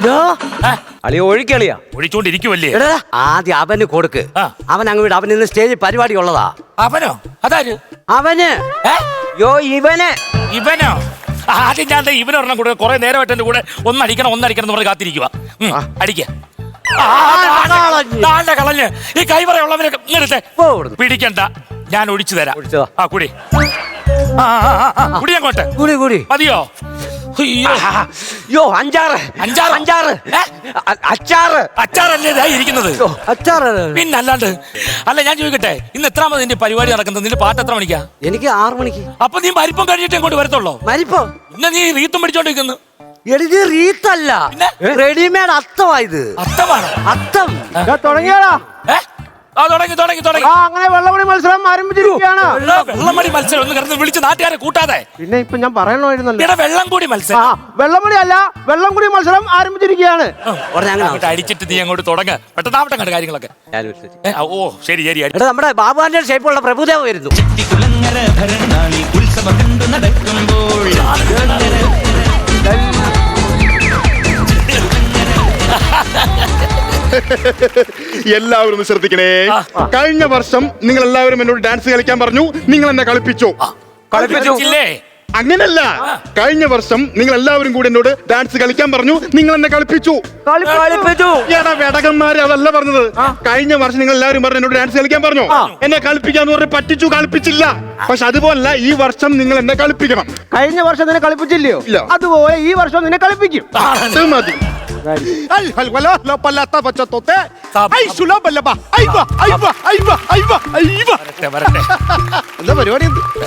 അളിയ ഒഴിക്കളിയാ ഒഴിച്ചോണ്ടിരിക്കുവല്ലേ? ആദ്യം അവന് കൊടുക്ക്. അവൻ അങ്ങ് വിട്. അവൻ ഇന്ന് സ്റ്റേജിൽ പരിപാടി ഉള്ളതാ. അവനോ? അതാര്? അവന്. ഇവന്. ഇവനോ? ആദ്യം ഞാൻ ഇവനൊരെണ്ണം കൂടെ കുറെ നേരമായിട്ട് എന്റെ കൂടെ ഒന്നടിക്കണം എന്ന് പറഞ്ഞ് കാത്തിരിക്കുക. അടിക്ക കളഞ്ഞ് ഈ കൈവറയുള്ളവനെ പിടിക്കണ്ട, ഞാൻ ഒഴിച്ചു തരാം. ആ കുടി കുടി അങ്ങോട്ട്. മതിയോ? അച്ചാറല്ലേ ഇരിക്കുന്നത്? പിന്നല്ലാണ്ട്. അല്ല ഞാൻ ചോദിക്കട്ടെ, ഇന്ന് എത്രാമത് നിന്റെ പരിപാടി നടക്കുന്നത്? നിന്റെ പാട്ട് എത്ര മണിക്കാ? എനിക്ക് 6 മണിക്ക്. അപ്പൊ നീ മരിപ്പം കഴിഞ്ഞിട്ട് ഇങ്ങോട്ട് വരത്തുള്ളോ? മരിപ്പം? പിന്നെ നീ റീത്തും പിടിച്ചോണ്ടിരിക്കുന്നു. റീത്തല്ല, റെഡിമെയ്ഡ് അത്തമായത്. അത്തമാണ്? അത്തം തുടങ്ങിയാടാ. തുടങ്ങി. അങ്ങനെ വെള്ളമടി മത്സരം ആരംഭിച്ചിരിക്കുകയാണ്. വെള്ളമടി മത്സരം ഒന്ന് കിടന്ന് വിളിച്ച് നാട്ടുകാരെ കൂട്ടാതെ. പിന്നെ ഇപ്പൊ ഞാൻ പറയണമായിരുന്നല്ലോ. വെള്ളം കൂടി മത്സരം. വെള്ളമടി അല്ല, വെള്ളം കൂടി മത്സരം ആരംഭിച്ചിരിക്കുകയാണ്. അടിച്ചിട്ട് നീ അങ്ങോട്ട് തുടങ്ങ. പെട്ടെന്നാവട്ടെ കണ്ട കാര്യങ്ങളൊക്കെ. ഓ ശരി ശരി. നമ്മുടെ ബാബുവിന്റെ ഷേപ്പുള്ള പ്രഭുദേവ വരുന്നു. എല്ലാവരും ഒന്ന് ശ്രദ്ധിക്കണേ. കഴിഞ്ഞ വർഷം നിങ്ങൾ എല്ലാവരും എന്നോട് ഡാൻസ് കളിക്കാൻ പറഞ്ഞു. നിങ്ങൾ എന്നെ കളിപ്പിച്ചോ? കളിപ്പിച്ചില്ലേ? അങ്ങനല്ല, കഴിഞ്ഞ വർഷം നിങ്ങൾ എല്ലാവരും കൂടി എന്നോട് ഡാൻസ് കളിക്കാൻ പറഞ്ഞു. നിങ്ങൾ എന്നെ കളിപ്പിച്ചു. വേടകന്മാരെ അതല്ല പറഞ്ഞത്. കഴിഞ്ഞ വർഷം നിങ്ങൾ എല്ലാവരും പറഞ്ഞു എന്നോട് ഡാൻസ് കളിക്കാൻ പറഞ്ഞു. എന്നെ കളിപ്പിക്കാന്ന് പറഞ്ഞ് പറ്റിച്ചു, കളിപ്പിച്ചില്ല. പക്ഷെ അതുപോലല്ല, ഈ വർഷം നിങ്ങൾ എന്നെ കളിപ്പിക്കണം. കഴിഞ്ഞ വർഷം നിന്നെ കളിപ്പിച്ചില്ലയോ? അതുപോലെ ഈ വർഷം നിന്നെ കളിപ്പിക്കും. അത് മതി. എന്താ പരിപാടി?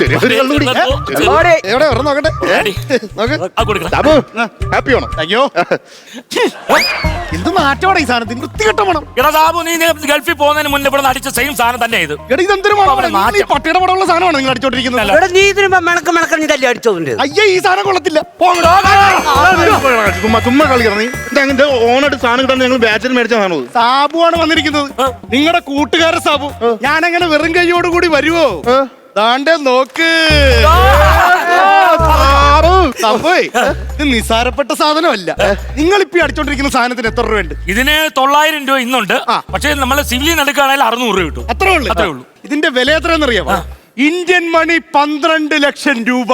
ഹാപ്പിയാണോ? അയ്യോ എന്ത് മാറ്റമാണ് ഈ സാധനത്തിന്? വൃത്തികെട്ട മണം. നീ ഗൾഫിൽ പോകുന്നതിന് മുന്നേ ഇവിടെ അടിച്ച സെയിം സാധനം തന്നെ ഇത്. ഇതെന്തൊരു പട്ടിയുടെ പടമുള്ള സാധനമാണ് നിങ്ങൾ അടിച്ചോണ്ടിരിക്കുന്നത്. നീ ഇതിന് മിണക്കല്ലേ അടിച്ചോണ്ട്? അയ്യേ, ഈ സാധനം കൊള്ളത്തില്ല. ചുമ്മാ കളിക്കണം. നീ അങ്ങനത്തെ ഓണായിട്ട് സാധനം കിട്ടാൻ ഞങ്ങൾ ബാച്ചിൽ മേടിച്ച സാധനം. സാബുവാണ് വന്നിരിക്കുന്നത്, നിങ്ങളുടെ കൂട്ടുകാരൻ സാബു. ഞാനങ്ങനെ വെറും കൈയോടുകൂടി വരുവോ? ദാണ്ടെ നോക്ക്. ഇത് നിസാരപ്പെട്ട സാധനമല്ല. നിങ്ങൾ ഇപ്പൊ അടിച്ചോണ്ടിരിക്കുന്ന സാധനത്തിന് എത്ര രൂപ ഉണ്ട്? ഇതിന് 900 രൂപ ഇന്നുണ്ട്. പക്ഷെ നമ്മള് സിവിലിൽ എടുക്കുകയാണെങ്കിൽ 600 രൂപ കിട്ടും. അത്രേ ഉള്ളൂ. ഇതിന്റെ വില എത്രയെന്ന് അറിയാമോ? ഇന്ത്യൻ മണി 12 ലക്ഷം രൂപ.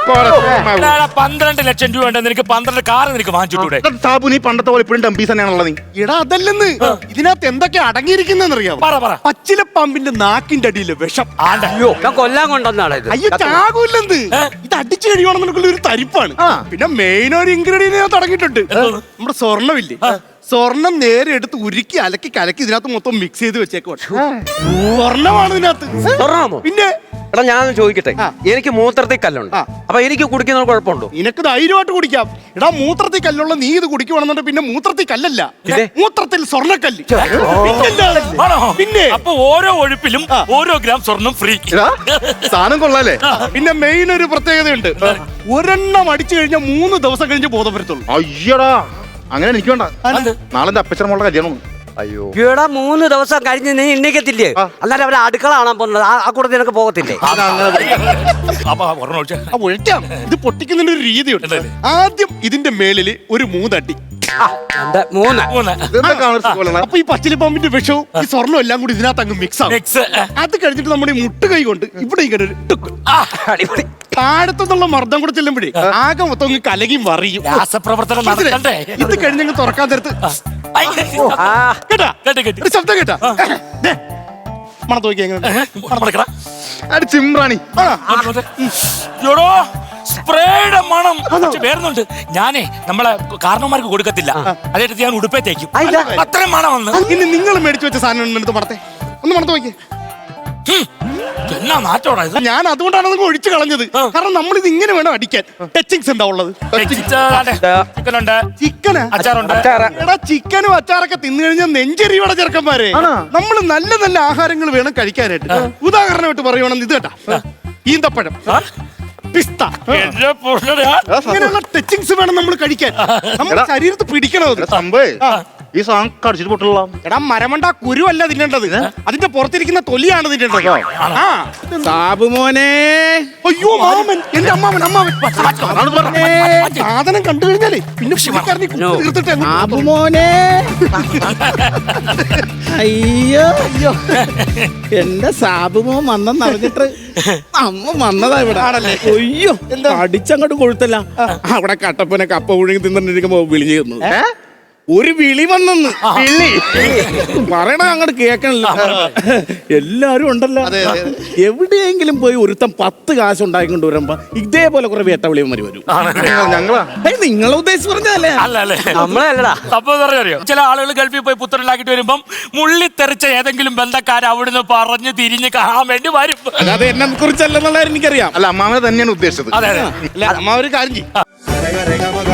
12 ലക്ഷം രൂപ ഉണ്ട്. നിനക്ക് 12 കാർ നിനക്ക് വാങ്ങിച്ചിട്ടൂടെ? സാബു, നീ പണ്ടത്തെ പോലെ ഇപ്പോഴും ടംപീസ് തന്നെയാണുള്ളത്. എടാ അതല്ലെന്ന്, ഇതിനകത്ത് എന്തൊക്കെ അടങ്ങിയിരിക്കുന്നെന്ന് അറിയാമോ? പച്ചില പാമ്പിന്റെ നാക്കിന്റെ അടിയിലെ വിഷം. കൊല്ലാൻ കൊണ്ടുവന്നാണ് ഇത്. അയ്യോ ചാകൂല്ലെന്ന്. ഇത് അടിച്ചു കഴിയുവാണെന്നുള്ള ഒരു തരിപ്പാണ്. പിന്നെ മെയിൻ ഒരു ഇൻഗ്രീഡിയന്റ് ഞാൻ തുടങ്ങിയിട്ടുണ്ട്. നമ്മുടെ സ്വർണ്ണമില്ലേ, സ്വർണം നേരെ എടുത്ത് ഉരുക്കി അലക്കി കലക്കി ഇതിനകത്ത് മൊത്തം മിക്സ് ചെയ്ത് വെച്ചേക്കുവാണ്. സ്വർണ്ണമാണ് ഇതിനകത്ത്. പിന്നെ എടാ ഞാൻ ചോദിക്കട്ടെ, എനിക്ക് മൂത്രത്തിൽ കല്ലുണ്ട്. അപ്പൊ എനിക്ക് കുടിക്കുന്ന കുഴപ്പമുണ്ടോ? നിനക്ക് ധൈര്യമായിട്ട് കുടിക്കാം. എടാ മൂത്രത്തിൽ കല്ലുള്ള നീ ഇത് കുടിക്കുവാണെന്നുണ്ടെങ്കിൽ പിന്നെ മൂത്രത്തിൽ കല്ലല്ല, മൂത്രത്തിൽ സ്വർണ്ണക്കല്ല്. പിന്നെ അപ്പൊ ഓരോ ഒഴുപ്പിലും ഓരോ ഗ്രാം സ്വർണം ഫ്രീ. സാധനം കൊള്ളാലേ. പിന്നെ മെയിൻ ഒരു പ്രത്യേകതയുണ്ട്. ഒരെണ്ണം അടിച്ചു കഴിഞ്ഞാൽ 3 ദിവസം കഴിഞ്ഞ് ബോധം വരത്തുള്ളൂ. അയ്യടാ, അങ്ങനെ എനിക്ക് വേണ്ട. നാളെ എന്റെ അപ്പച്ചൻ മോളുടെ കല്യാണം. അയ്യോ 3 ദിവസം കഴിഞ്ഞ് നീ എണ്ണിക്കത്തില്ലേ? അന്നേരം അവരെ അടുക്കള കാണാൻ പോകുന്നത്. ആ കൂടെ നിനക്ക് പോകത്തില്ലേ? ഇത് പൊട്ടിക്കുന്നതിന്റെ ഒരു രീതിയുണ്ട്. ആദ്യം ഇതിന്റെ മേളില് ഒരു 3 അടി. അപ്പൊ ഈ പച്ചില പാമ്പിന്റെ വിഷവും ഈ സ്വർണ്ണം എല്ലാം കൂടി ഇതിനകത്ത് അങ്ങ് മിക്സ് ആവും. അത് കഴിഞ്ഞിട്ട് നമ്മുടെ ഈ മുട്ടുകൈ കൊണ്ട് ഇവിടെ ഇങ്ങനെ ഒരു ടുക്ക് താഴത്തുനിന്നുള്ള മർദ്ദം കൂടെ ചെല്ലുമ്പോഴേ ആകെ മൊത്തം അങ്ങ് കലകിയും വറിയും. ഇത് കഴിഞ്ഞങ്ങ് തുറക്കാൻ നേരത്ത് കേട്ടാ ശബ്ദം കേട്ടാ മണത്ത് നോക്കി എങ്ങനെ ചിമ്രാണി സ്പ്രേയുടെ മണം വേറുന്നുണ്ട്. ഞാനേ നമ്മളെ കാരണവന്മാർക്ക് കൊടുക്കത്തില്ല. അതായത് ഞാൻ ഉടുപ്പേ തേക്കും. അത്രയും മണം വന്ന്. ഇനി നിങ്ങൾ മേടിച്ചു വെച്ച സാധനം എടുത്ത് മണത്തെ ഒന്ന് മണത്ത് നോക്കി. എന്നാ നാറ്റോടാ ഇത്. ഞാൻ അതുകൊണ്ടാണ് നിങ്ങൾ ഒഴിച്ചു കളഞ്ഞത്. കാരണം നമ്മൾ ഇത് ഇങ്ങനെ വേണം അടിക്കാൻ. ടച്ചിങ്സ് എന്താ ഉള്ളത്? ചിക്കന് അച്ചാറുണ്ട്. എടാ ചിക്കനും അച്ചാറൊക്കെ തിന്നു കഴിഞ്ഞാൽ നെഞ്ചെരിയുടെ ചെറുക്കന്മാരെ. നമ്മൾ നല്ല നല്ല ആഹാരങ്ങൾ വേണം കഴിക്കാനായിട്ട്. ഉദാഹരണമായിട്ട് പറയുവാണെന്ന് ഇത് കേട്ടാ, ഈന്തപ്പഴം, പിസ്ത, അങ്ങനെയുള്ള ടച്ചിങ്സ് വേണം നമ്മൾ കഴിക്കാൻ. നമ്മുടെ ശരീരത്ത് പിടിക്കണത്. ഈ സാധനം കടിച്ചിട്ട് പൊട്ടുള്ള. എടാ മരമണ്ട കുരു അല്ല തിന്നേണ്ടത്, അതിന്റെ പുറത്തിരിക്കുന്ന തൊലിയാണ് തിന്നേണ്ടത്. ആ സാബു മോനെ, അയ്യോ മാമൻ, എന്റെ അമ്മാവൻ സാധനം കണ്ടു കഴിഞ്ഞാലേ പിന്നെ പുള്ളിക്കാരനെ കുത്തി തീർത്തിട്ട് അങ്ങ് സാബു മോനെ. അയ്യോ അയ്യോ, എന്റെ സാബു മോൻ വന്നെന്ന് അറിഞ്ഞിട്ട് അമ്മ വന്നതാ ഇവിടെ. അയ്യോ അടിച്ചങ്ങോട്ട് കൊഴുത്തല്ല. അവിടെ കട്ടപ്പനെ കപ്പ ഒഴുകി തിന്നിരിക്കുമ്പോ വിളിഞ്ഞു തന്നു. ഒരു വിളി വന്നെന്ന്. പറയണ അങ്ങോട്ട് കേക്കണില്ല. എല്ലാരും ഉണ്ടല്ലോ. എവിടെയെങ്കിലും പോയി ഒരുത്തം 10 കാശ് ഉണ്ടാക്കിക്കൊണ്ട് വരുമ്പോ ഇതേപോലെ കുറെ വേട്ടവിളിയന്മാര് വരും. ഞങ്ങളാ നിങ്ങളെ ഉദ്ദേശിച്ച് പറഞ്ഞതല്ലേ? അല്ലല്ലേ, നമ്മളെ അല്ലടാ. സംഭവം അറിയോ, ചില ആളുകൾ ഗൾഫിൽ പോയി പുത്രനാക്കിട്ട് വരുമ്പം മുള്ളിത്തെറിച്ച ഏതെങ്കിലും ബന്ധക്കാർ അവിടുന്ന് പറഞ്ഞു തിരിഞ്ഞ് കാണാൻ വേണ്ടി വരും. അല്ലാതെ എന്നെ കുറിച്ചല്ലെന്നുള്ള എനിക്കറിയാം. അല്ല, അമ്മാവനെ തന്നെയാണ് ഉദ്ദേശിച്ചത്. അതെ അതെ. അല്ല അമ്മ ഒരു കാര്യം ചെയ്യും.